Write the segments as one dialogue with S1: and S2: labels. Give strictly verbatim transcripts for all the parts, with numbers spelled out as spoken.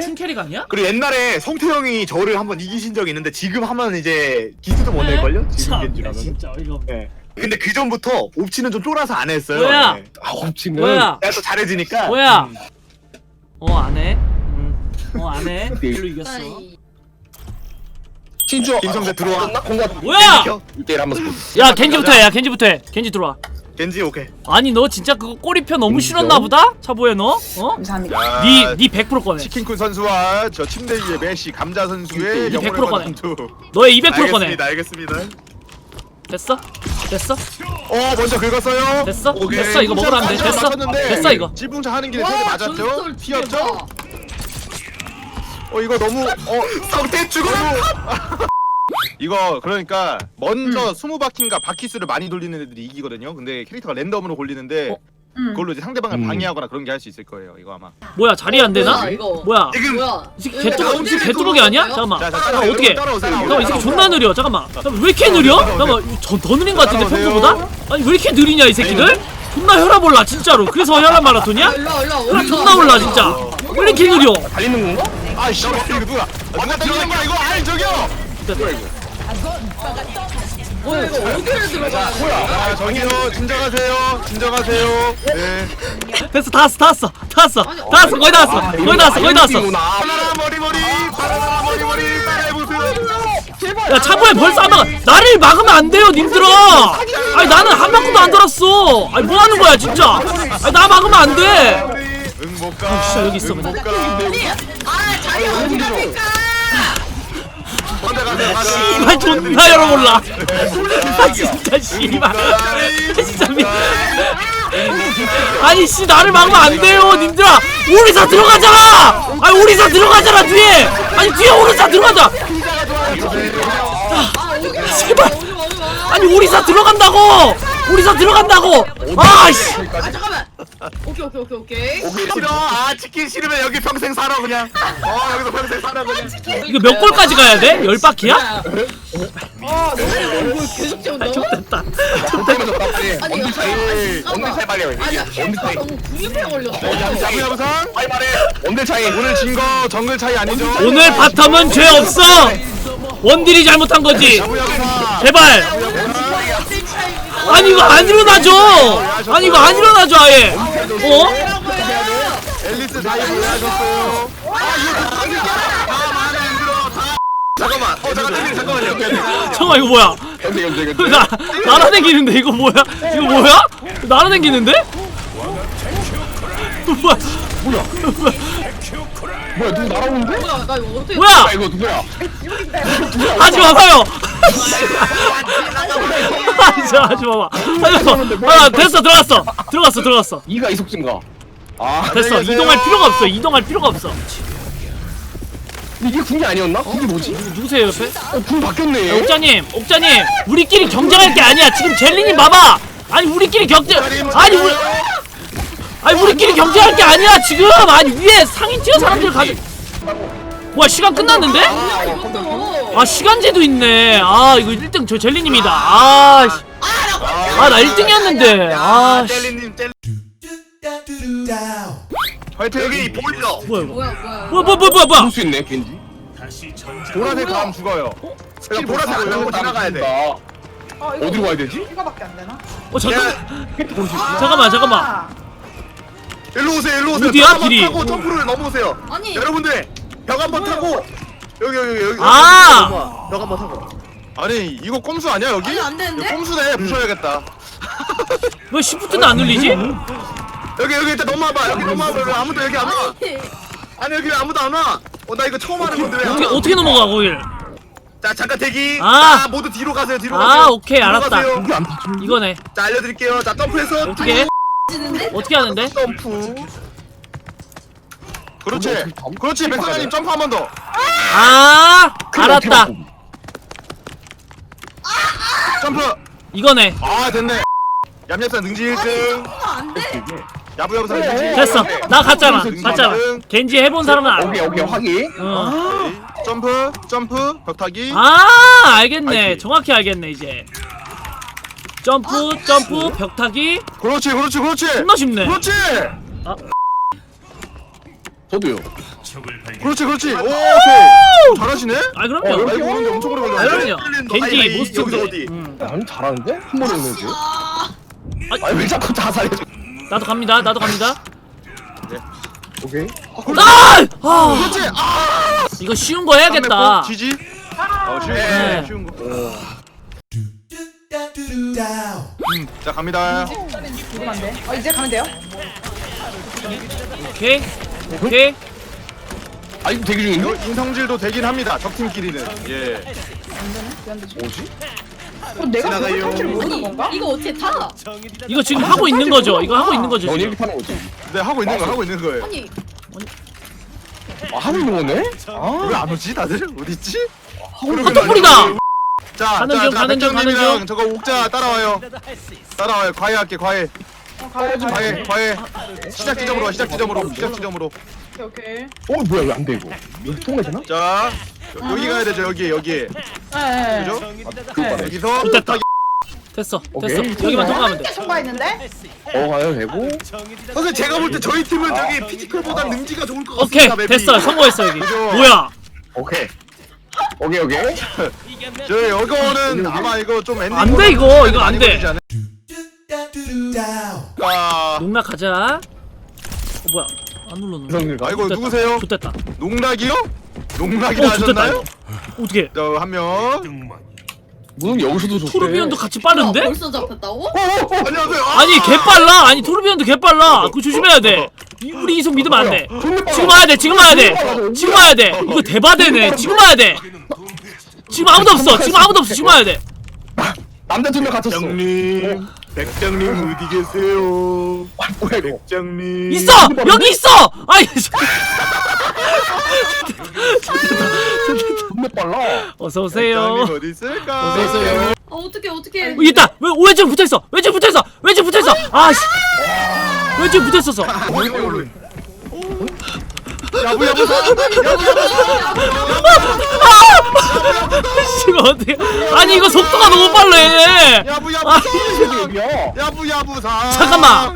S1: 신캐릭 아니야?
S2: 그리고 옛날에 성태형이 저를 한번 이기신 적이 있는데 지금 하면 이제 기수도 못 낼걸요? 지금
S1: 참,
S2: 겐지라면.
S1: 진짜 어이가 없네.
S2: 네. 근데 그 전부터 옵치는 좀 쫄아서 안 했어요.
S1: 뭐야?
S2: 네.
S3: 아 옵치는
S1: 뭐야?
S2: 내가 또 잘해지니까.
S1: 뭐야?
S2: 음.
S1: 어 안해? 음. 어 안해? 일로 이겼어.
S3: 신주
S2: 김성재 들어와.
S1: 뭐야?
S3: 일 대일 한번 써.
S1: 야 겐지부터 해. 야 겐지부터 해. 겐지 들어와.
S2: 겐지 오케이.
S1: 아니 너 진짜 그거 꼬리표 너무 싫었나 보다? 차보에 너? 어?
S4: 감사합니다.
S1: 니 니 백 퍼센트 꺼내.
S5: 치킨쿤 선수와 저 침대 위의 메시 감자 선수의
S1: 백
S5: 영혼을
S1: 퍼센트
S5: 받은 투.
S1: 너의 이백 퍼센트 꺼내.
S2: 알겠습니다. 알겠습니다.
S1: 됐어? 됐어?
S5: 어 먼저 긁었어요.
S1: 됐어?
S2: 오케이.
S1: 됐어 이거 먹으러 하면 돼. 됐어?
S5: 맞췄는데
S1: 됐어 이거.
S5: 찌붕차 하는 길에 손에 맞았죠? 튀었죠? 어 이거 너무 어
S2: 성태 죽어.
S5: 이거 그러니까 먼저 스무 바퀴인가 바퀴 수를 많이 돌리는 애들이 이기거든요. 근데 캐릭터가 랜덤으로 골리는데
S1: 어?
S4: 음.
S5: 그걸로 이제 상대방을
S3: 음.
S5: 방해하거나 그런 게 할 수 있을 거예요. 이거 아마.
S1: 뭐야 자리 안 되나?
S6: 뭐야, 이거?
S1: 뭐야?
S2: 지금
S6: 뭐야?
S1: 이 새끼 개뚜벅 이 새끼 개뚜벅이 아니야? 잠깐만.
S5: 자, 자,
S1: 잠깐만
S5: 따라오세요.
S1: 어떻게?
S5: 따라오세요.
S1: 잠깐만 이 새끼 존나 느려. 잠깐만. 잠깐만 왜 이렇게 느려? 잠깐만 저 더 느린 거 같은데
S5: 따라오세요.
S1: 평소보다? 아니 왜 이렇게 느리냐 이 새끼들? 존나 혈압 올라 진짜로. 그래서 혈압 마라톤이야?
S6: 일로 와, 일로 와.
S1: 혈압 존나 올라 진짜. 왜 이렇게 느려?
S3: 달리는 건가?
S5: 아이씨 이거 누가? 누가 들어간 거야 이거? 아이 저기요.
S6: 뭐야 이거 어디를 들어가?
S5: 아 저기요 진정하세요. 진정하세요. 네.
S1: 됐어 다 왔어 다 왔어 다 왔어
S6: 아니,
S1: 다 왔어 거의 다 왔어
S3: 아,
S1: 거의 다 왔어 거의 다 왔어.
S5: 바나나 머리 머리 바나나 머리 머리 따라해보세요.
S1: 야 차보에 벌써 한 방. 나를 막으면 안 돼요 님들아. 아니 나는 한 바퀴도 안 돌았어. 아니 뭐 하는 거야 진짜. 아니 나 막으면 안 돼.
S5: 응못 가.
S1: 아, 진짜 여기 있어, 그냥.
S5: 못 가.
S6: 아 자리 어디 갑니까?
S5: 먼저 가세요.
S1: 씨발 존나 열어볼라. 아 진짜 씨발. 진짜 미. 아니 씨 나를 막으면 안 돼요 님들아. 오리사 들어가잖아. 아니 오리사 들어가잖아 뒤에. 아니 뒤에 오리사 들어가자. 제발. 아니 오리사 들어간다고. 오리사 들어간다고. 아씨.
S6: 아 잠깐만. 오케이 오케이 오케이 오케이.
S2: 오케이 싫어. 아 치킨 싫으면 여기 평생 살아 그냥. 어 여기서 평생 살아 그냥.
S1: 이거 몇 골까지 가야 돼? 열 바퀴야?
S6: 아 너무 계속 채운다.
S1: 됐다.
S6: 아니
S3: 언제 차이?
S6: 잠깐만.
S3: 언제 차이 빨리 해.
S6: 아니야
S3: 언제
S6: 캐릭터
S3: 차이?
S6: 너무 구입에 걸렸어.
S5: 야부 야부상.
S2: 빨리 말해.
S3: 언제 차이?
S5: 오늘 진 거 정글 차이 아니죠?
S1: 오늘 바텀은 죄 없어. 원딜이 잘못한 거지.
S5: 야부 야부상.
S1: 제발. 아니 이거 안 일어나죠. 아니 이거 안 일어나죠 아예. 어?
S5: 앨리스 사이 올라가셨어요.
S2: 잠깐만. 어 잠깐 잠깐만요.
S1: 잠깐만 이거 뭐야?
S3: 연대 연대 연대.
S1: 나 날아다니는데 이거 뭐야? 이거 뭐야? 날아다니는데? 뭐야?
S3: 뭐야 누구 날아오는데?
S6: 뭐야 나 이거 어떻게?
S1: 뭐야?
S3: 아 이거 누구야?
S1: 하지 마봐요. 하지 마, 하지 마봐. 하지 마. 아 됐어 들어갔어. 들어갔어 들어갔어.
S3: 이가 이속증가. 아
S1: 됐어 이동할 필요가 없어. 이동할 필요가 없어.
S3: 근데 이게 군기 아니었나? 군기 뭐지?
S1: 누구세요 옆에?
S3: 어, 군 바뀌었네.
S1: 옥자님, 옥자님, 우리끼리 경쟁할 게 아니야. 지금 젤리님 봐봐. 아니 우리끼리 경쟁. 아니 우리. 아니 우리끼리 경쟁할 게 아니야 지금. 아니 위에 상인 티어 사람들 가지. 와 시간 끝났는데? 아 시간제도 있네. 아 이거 일 등 저 젤리님이다. 아, 씨. 아 나 일 등이었는데. 아, 씨.
S2: 젤리님 젤리.
S5: 화이팅.
S2: 여기 보일러.
S1: 뭐야 이거?
S6: 뭐야 뭐야.
S1: 뭐야 뭐야 뭐야 뭐야?
S3: 볼수 있네 겐지.
S5: 보라색 다음 죽어요.
S2: 제가 보라색 안 나고 지나가야 돼.
S4: 어, 이거
S3: 어디로 가야 되지?
S4: 이거밖에 안 되나?
S1: 어 잠깐.
S4: 아,
S1: 잠깐만 잠깐만.
S2: 일로 오세요 일로 오세요.
S1: 어디야,
S2: 벽 한번
S1: 길이?
S2: 타고 점프를 넘어오세요.
S6: 아니.
S2: 여러분들 벽 한번 타고 여기 여기 여기.
S1: 아!
S2: 넘어와. 벽 한번 타고.
S5: 아니 이거 꼼수 아니야 여기?
S6: 아니, 안 되는데?
S5: 이거 꼼수네. 부셔야겠다.
S1: 왜 시프트도 안 눌리지?
S2: 여기 여기 일단 넘어와봐. 여기 넘어와봐. 왜 아무도 여기 안 와.
S6: 아니.
S2: 아니 여기 왜 아무도 안 와. 어 나 이거 처음 하는 건데 왜 안
S1: 어떻게
S2: 와?
S1: 어떻게 넘어가 거길?
S2: 자 잠깐 대기.
S1: 아.
S2: 자 모두 뒤로 가세요. 뒤로
S1: 아,
S2: 가세요.
S1: 오케이,
S2: 뒤로
S1: 알았다.
S2: 가세요.
S1: 이거네.
S2: 자 알려드릴게요. 자 점프해서
S1: 어떻게? 해?
S6: 지는데?
S1: 어떻게 하는데?
S2: 점프.
S5: 그렇지. 그렇지. 백사장님 점프 한 번 더.
S1: 아 알았다.
S5: 점프.
S1: 이거네.
S5: 아 됐네. 얌얌산 능지 일 등.
S6: 안 돼.
S5: 야부 야부산 능지 일 등.
S1: 됐어. 나 갔잖아. 갔잖아. 겐지 해본 사람은 알아.
S3: 오케이 오케이 확인.
S1: 어.
S5: 점프 점프 벽타기.
S1: 아 알겠네.
S5: 알지?
S1: 정확히 알겠네 이제. 점프 점프 벽타기.
S5: 그렇지 그렇지 그렇지.
S1: 존나 쉽네.
S5: 그렇지.
S3: 저도요.
S5: 그렇지 그렇지. 오 오케이. 잘하시네.
S1: 아 그럼요.
S5: 라이브 오는데 엄청 오래
S1: 아
S5: 걸렸네.
S1: 그럼요. 겐지
S2: 여기서
S1: 모스트.
S2: 어디?
S1: 음.
S3: 야, 아니 잘하는데? 한 번에 오는지.
S6: 아,
S3: 아니 왜 자꾸 자살해?
S1: 나도 갑니다. 나도 갑니다.
S3: 오케이.
S1: 아! 아!
S5: 그렇지. 아.
S1: 이거 쉬운 거 해야겠다.
S5: 지지. 어 쉬운
S1: 네.
S5: 거. 쉬운 거. 음, 자 갑니다.
S4: 누르면 안 돼. 어 이제 가면 돼요?
S1: 오케이. 오케이.
S3: 아 이거 대기 중인데?
S5: 이거 인성질도 되긴 합니다. 적팀끼리는. 예.
S3: 뭐지?
S4: 어 내가
S2: 지나가요.
S4: 그걸 탈줄 모르는
S6: 아니
S4: 건가?
S6: 이거 어떻게 타?
S1: 이거 지금 하고 있는 거죠. 이거 하고 있는 거죠.
S3: 넌
S1: 지금.
S3: 이렇게 타는 거지.
S5: 네 하고 있는 거 하고 있는 거예요.
S6: 아니
S3: 아 하고 있는 거네? 아
S5: 왜 안 오지 다들? 어디 있지?
S1: 헛떡풀이다.
S5: 자,
S1: 가는
S5: 자,
S1: 중,
S5: 자,
S1: 가는 중, 가는
S5: 백정님이랑
S1: 중.
S5: 저거 옥자 따라와요. 따라와요. 과외 할게, 과외.
S4: 어 가야 돼.
S5: 과외, 과외. 시작 지점으로 와, 시작 지점으로, 시작 지점으로.
S4: 오케이 오케이.
S3: 어 뭐야 왜 안 돼 이거? 여기 통과되나
S5: 자, 여- 여기 가야 되죠, 여기, 여기.
S4: 네.
S5: 그죠?
S3: 그거 봐라.
S5: 여기서
S1: 됐다. 됐어.
S3: 오케이.
S1: 됐어. 여기만 통과하면 돼.
S4: 통과했는데?
S3: 어 가요 되고.
S2: 선생 제가 볼 때 저희 팀은 저기 피지컬보다 능지가 좋을 것
S1: 오케이.
S2: 같습니다. 맵이.
S1: 됐어. 성공했어 여기.
S5: 그죠?
S1: 뭐야?
S3: 오케이. 오케이 오케이.
S5: 저 이거는 아마 이거 좀 엔딩.
S1: 안 돼, 이거. 이거 안 돼.
S5: 아,
S1: 농락 가자. 어 뭐야? 안 눌렀는데.
S3: 이성일가.
S5: 아 이거
S1: 좋됐다.
S5: 누구세요?
S1: 좋됐다.
S5: 농락이요? 농락이라
S1: 어 좋됐다.
S5: 하셨나요?
S1: 이거. 어떻게?
S5: 저 한 명.
S3: 무슨 여기서도 좋대.
S1: 토르비온도 같이
S6: 뭐야,
S1: 빠른데?
S6: 벌써 잡혔다고?
S5: 안녕하세요. 아!
S1: 아니 개 빨라. 아니 토르비온도 개 빨라. 그거 조심해야 돼. 이- 우리 이속 믿으면 안 돼. 지금 와야 돼. 지금 와야 돼. 지금 와야 돼. 이거 대바대네. 지금 와야 돼. 지금 아무도 없어. 지금 아무도 없어. 지금 와야 돼.
S3: 남자 두 명 갇혔어.
S2: 백장님, 백장님 어디 계세요?
S3: 아, 뭐야 이거?
S2: 백장님.
S1: 있어. 여기 있어. 아니.
S3: 존나 빨라.
S1: 어서 오세요.
S5: 백장님 어디 있을까?
S1: 어서 오세요.
S6: 아 어떻게 어떻게?
S1: 어, 있다. 왜 왼쪽 붙어 있어? 왼쪽 붙어 있어. 왼쪽 붙어 있어. 아 씨. 왼쪽 붙어 있었어.
S5: 야부 야부.
S1: 지금 어떻게? 아니 이거 속도가 너무 빨라 얘.
S5: 야부 야부.
S1: 아,
S3: 여기야.
S5: 야부 야부 사.
S1: 잠깐만.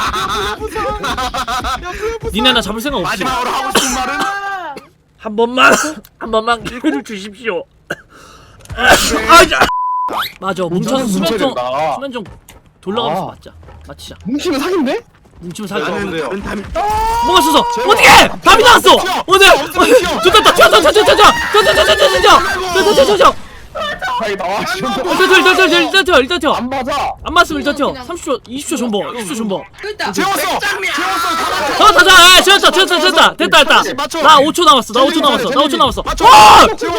S1: 니네 나 잡을 생각 없지?
S2: 마지막으로 하고 싶은 말은
S1: 한 번만 한 번만 기회를 주십시오. 아, 자. 맞아. 뭉쳐서 수면 좀
S3: 된다.
S1: 수면 좀 돌아가면서
S3: 아.
S1: 맞자. 맞히자.
S3: 뭉치면 사귄대?
S1: 뭉치면 살자.
S2: 나는
S5: 돼요.
S2: 다른 탐.
S1: 뭐가 있어서 어떻게? 답이 나왔어. 오늘 좋다. 튀어 튀어 튀어 튀어 튀어 튀어 튀어 튀어 튀어 튀어 튀어 튀어 튀어 튀어
S3: 자기 나와.
S1: 일단 튀어 일단 튀어 일단 튀어 일단 튀어
S3: 안 맞아.
S1: 안 맞으면 일단 튀어. 삼십 초 이십 초 존버 이십 초 존버.
S6: 일단
S5: 재웠어. 재웠어.
S1: 어, 다, 다, 아, 됐다, 됐다, 됐다, 됐다, 됐다.
S5: 맞춰.
S1: 나 오 초 남았어, 나 오 초 남았어, 나 오 초 남았어.
S5: 맞춰.
S1: 와!
S5: 재워.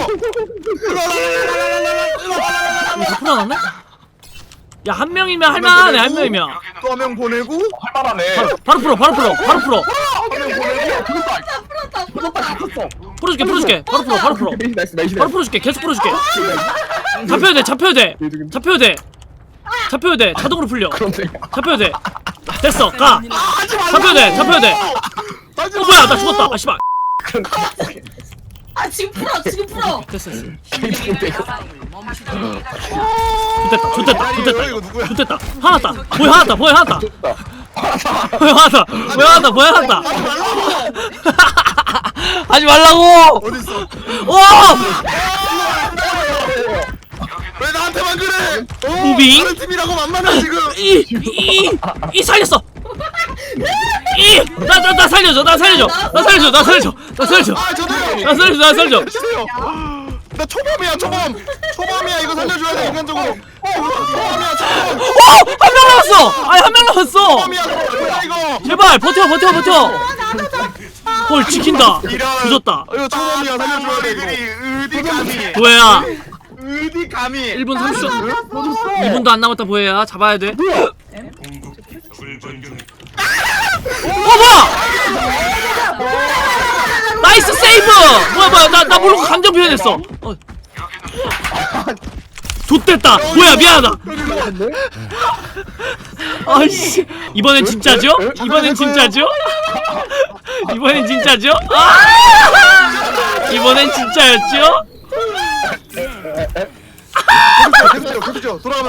S1: 이거 다 풀어놨네? 야, 한 명이면 할만하네, 한 명이면.
S5: 또 한 명 보내고.
S3: 할만하네.
S1: 바로 풀어, 바로 풀어, 바로 풀어.
S3: 한명 보내고. 그것도
S6: 풀었다 풀었다.
S3: 갇혔어.
S1: 풀어줄게, 풀어줄게. 바로 풀어, 바로 풀어.
S3: 나이스 나이스 나이스.
S1: 바로 풀어줄게, 계속 풀어줄게. 잡혀야 돼, 잡혀야 돼. 잡혀야 돼. 잡혀야 돼. 자동으로 풀려.
S3: 그런데.
S1: 잡혀야 돼. 됐어, 가. 잡혀야 돼, 잡혀야 돼. 어, 뭐야, 나 죽었다. 아, 씨발.
S6: 아 지금 풀어 지금 풀어.
S1: 됐어, 됐어.
S3: 근데 이거.
S1: 좋됐다, 좋됐다, 좋됐다.
S5: 이거 누구야?
S1: 좋됐다. 화났다. 뭐야, 화났다, 뭐야, 화났다. 뭐야, 화났다. 뭐야, 화났다, 뭐야, 화났다. 하지 말라고!
S5: 어디 있어?
S1: 오!
S5: 왜 나한테만 그래? 어,
S1: 무빙?
S5: 다른 팀이라고 만만해 지금.
S1: 이! 이! 이 살렸어! 이! 나, 나, 나 살려줘, 나 살려줘! 나 살려줘, 나 살려줘! 나 살려줘!
S5: 아 저도요.
S1: 나 살려줘, 나 살려줘!
S5: 주세요. 나 초범이야 초범. 초범이야 이거 살려줘야 돼 인간적으로. 초범이야 초범.
S1: 오! 한 명 남았어! 아니, 한 명 남았어!
S5: 초범이야 초범이야 이거.
S1: 제발, 버텨, 버텨, 버텨! 헐, 지킨다!
S5: 이런.
S1: 조졌다!
S5: 이거 초범이야 살려줘야 돼
S2: 머리들이
S5: 이거.
S2: 어디 감히?
S1: 보혜야!
S2: 어디 감히?
S1: 일 분 삼십 초, 이 분도 안 남았다, 보혜야. 잡아야 돼. 어, 뭐야! 나이스 세이브! 뭐야, 뭐야, 나, 나 모르고 감정 표현했어. 어. 좆됐다! 뭐야, 미안하다! 아이씨. 이번엔 진짜죠? 이번엔 진짜죠? 이번엔 진짜죠? 아! 이번엔 진짜였죠?
S5: 계속해요 계속해요 돌아가면.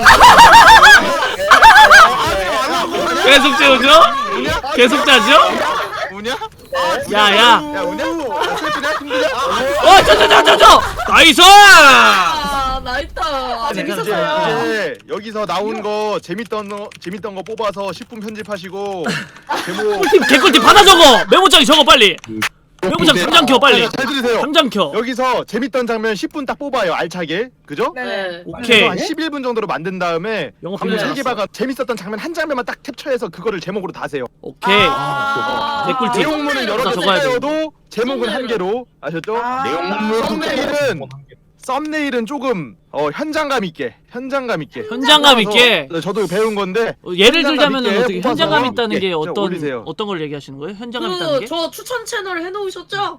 S1: 계속 재우죠? 계속 자죠?
S5: 우냐?
S1: 야, 야.
S5: 야 우냐? 야 슬프냐? 힘드냐?
S1: 어, 저, 저, 저, 저, 저! 나이스!
S6: 아 나있다. 아
S5: 이제,
S6: 재밌었어요.
S5: 이제 여기서 나온 거 재밌던 거 재밌던 거 뽑아서 십 분 편집하시고 제목
S1: 꿀팁, 개꿀팁 받아 적어! 메모장에 적어, 빨리! 메모장 당장 켜, 빨리!
S5: 잘 들으세요.
S1: 당장 켜!
S5: 여기서 재밌던 장면 십 분 딱 뽑아요. 알차게. 그죠?
S6: 네.
S1: 오케이.
S5: 그래서 한 십일 분 정도로 만든 다음에
S1: 영어
S5: 방금
S1: 필름
S5: 세계바가 재밌었던 장면 한 장면만 딱 캡처해서 그거를 제목으로 다세요.
S1: 오케이.
S6: 아,
S1: 개꿀팁.
S5: 내용문은 여러 개
S1: 적어야 돼.
S5: 쓰여도 제목은 한 개로 아셨죠?
S4: 아.
S3: 내용물
S5: 썸네일은 썸네일은 조금 어 현장감 있게 현장감 있게
S1: 현장감 있게.
S5: 뽑아서 저도 배운 건데
S1: 어, 예를
S5: 현장감
S1: 들자면
S5: 있게
S1: 어떻게
S5: 뽑아서
S1: 현장감 있다는
S5: 예,
S1: 게
S5: 저
S1: 어떤
S5: 올리세요.
S1: 어떤 걸 얘기하시는 거예요? 현장감 있다는 게?
S6: 그저 추천 채널 해놓으셨죠?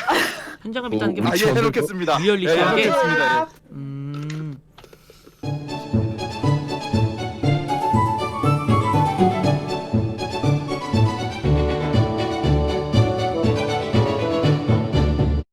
S1: 현장감 있다는 게
S3: 어,
S5: 아,
S1: 뭐지?
S5: 예, 해놓겠습니다.
S1: 리얼리티하게?
S5: 예, 해놓겠습니다. 예.
S1: 음.